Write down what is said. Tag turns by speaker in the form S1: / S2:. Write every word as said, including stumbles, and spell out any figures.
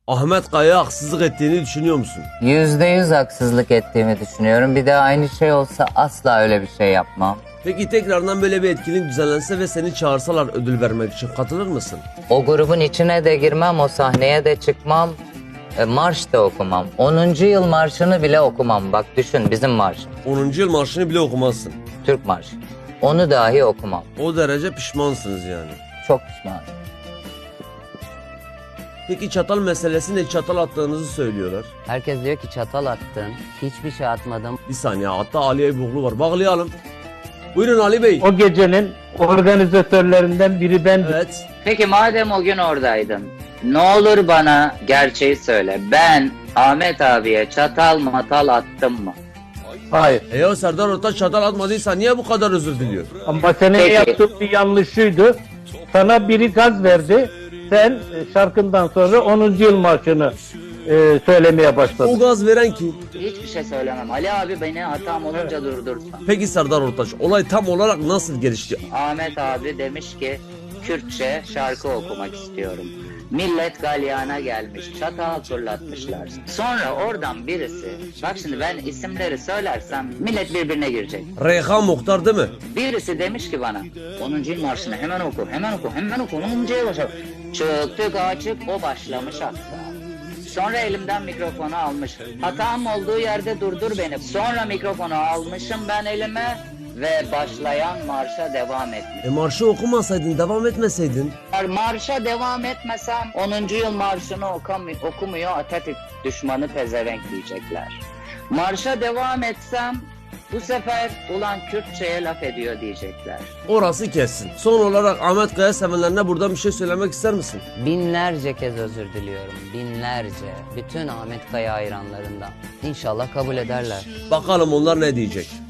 S1: Ahmet Kaya'ya haksızlık ettiğini düşünüyor musun?
S2: Yüzde yüz haksızlık ettiğimi düşünüyorum. Bir de aynı şey olsa asla öyle bir şey yapmam.
S1: Peki tekrardan böyle bir etkinlik düzenlense ve seni çağırsalar ödül vermek için katılır mısın?
S2: O grubun içine de girmem, o sahneye de çıkmam, e, marş da okumam. onuncu yıl marşını bile okumam. Bak düşün, bizim marş,
S1: onuncu yıl marşını bile okumazsın.
S2: Türk marşı. Onu dahi okumam.
S1: O derece pişmansınız yani.
S2: Çok pişmanım.
S1: Peki çatal meselesi ne? Çatal attığınızı söylüyorlar.
S2: Herkes diyor ki çatal attın. Hiçbir şey atmadım.
S1: Bir saniye, hatta Ali Eyüboğlu var. Bağlayalım. Buyurun Ali Bey.
S3: O gecenin organizatörlerinden biri bendim.
S1: Evet.
S2: Peki madem o gün oradaydın, ne olur bana gerçeği söyle. Ben Ahmet abiye çatal matal attım mı?
S3: Hayır.
S1: E ya Serdar Ortaç çatal atmadıysa niye bu kadar özür diliyor?
S3: Ama senin
S2: Peki.
S3: yaptığın bir yanlışıydı. Sana biri gaz verdi. Sen e, şarkından sonra onuncu yıl marşını e, söylemeye
S1: O
S3: başladın.
S1: gaz veren kim?
S2: Hiçbir şey söylemem. Ali abi beni hatam olunca durdursan.
S1: Peki Serdar Ortaç, olay tam olarak nasıl gelişti?
S2: Ahmet abi demiş ki Kürtçe şarkı okumak istiyorum. Millet galyana gelmiş, çatal fırlatmışlar. Sonra oradan birisi, bak şimdi ben isimleri söylersem millet birbirine girecek.
S1: Reyhan Muhtar değil mi?
S2: Birisi demiş ki bana, onuncu yıl marşını hemen oku, hemen oku, hemen oku, onuncu yıl başla. Çıktık açık, o başlamış hatta. Sonra elimden mikrofonu almış. Hatam olduğu yerde durdur beni. Sonra mikrofonu almışım ben elime ve başlayan marşa devam etmiş.
S1: E marşı okumasaydın, devam etmeseydin.
S2: Marşa devam etmesem onuncu yıl marşını okumuyor, okumuyor Atatürk düşmanı pezevenk diyecekler. Marşa devam etsem bu sefer ulan Kürtçe'ye laf ediyor diyecekler.
S1: Orası kessin. Son olarak Ahmet Kaya sevenlerine buradan bir şey söylemek ister misin?
S4: Binlerce kez özür diliyorum. Binlerce. Bütün Ahmet Kaya hayranlarından. İnşallah kabul ederler.
S1: Bakalım onlar ne diyecek?